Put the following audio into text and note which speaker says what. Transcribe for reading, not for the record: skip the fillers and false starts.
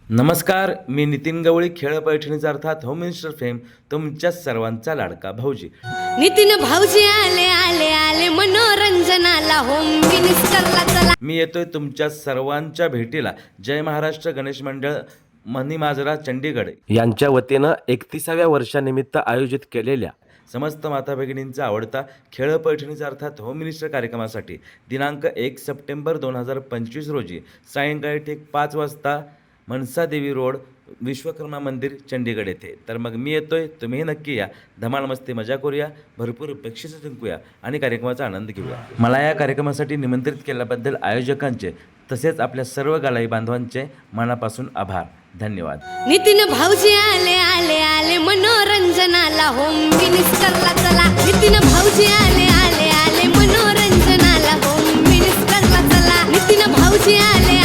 Speaker 1: नमस्कार, मी नितीन गवळी. खेळ पैठणीचा अर्थात होम मिनिस्टर फेम तुमच्या सर्वांचा लाडका भाऊजी.
Speaker 2: नितीन भाऊजी आले आले आले मनोरंजनाला होम मिनिस्टरला चला.
Speaker 1: मी येतोय तुमच्या सर्वांच्या भेटीला. जय महाराष्ट्र गणेश मंडळ मनीमाजरा चंडीगड यांच्या वतीनं 31व्या वर्षानिमित्त आयोजित केलेल्या समस्त माता भगिनींचा आवडता खेळ पैठणीचा अर्थात होम मिनिस्टर कार्यक्रमासाठी दिनांक 1 सप्टेंबर 2025 रोजी सायंकाळी ठीक 5 वाजता मनसादेवी रोड विश्वकर्मा मंदिर चंडीगड येथे. तर मग मी येतोय, तुम्हीही नक्की या. धमाल मस्ती मजा करूया, भरपूर बक्षिसं जिंकूया आणि कार्यक्रमाचा आनंद घेऊया. मला या कार्यक्रमासाठी निमंत्रित केल्याबद्दल आयोजकांचे तसेच आपल्या सर्व गालाई बांधवांचे मनापासून आभार. धन्यवाद.
Speaker 2: नितीन भाऊजी आले आले आले मनोरंजनाला होम मिनिस्टरला चला. नितीन भाऊजी आले आले आले मनोरंजनाला होम मिनिस्टरला चला. नितीन भाऊजी आले